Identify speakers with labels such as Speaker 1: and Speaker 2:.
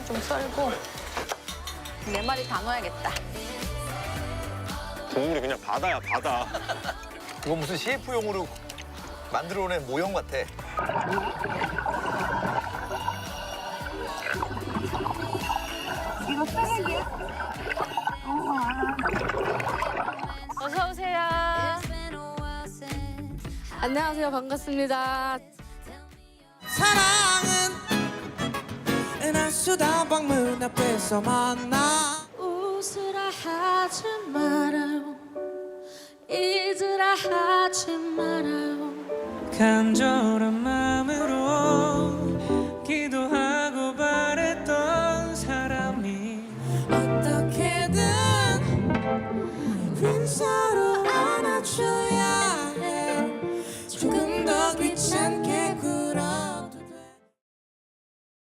Speaker 1: 좀 썰고 4마리 다 넣어야겠다.
Speaker 2: 국물이 그냥 바다야, 바다.
Speaker 3: 이거 무슨 CF용으로 만들어낸 모형 같아.
Speaker 4: 이거 쓰레기야?
Speaker 1: 어서 오세요.
Speaker 5: 안녕하세요. 반갑습니다.
Speaker 6: 사랑은 은하수다 방문 앞에서 만나
Speaker 5: 웃으라 하지 말아요. 잊으라 하지 말아요.
Speaker 6: 간절한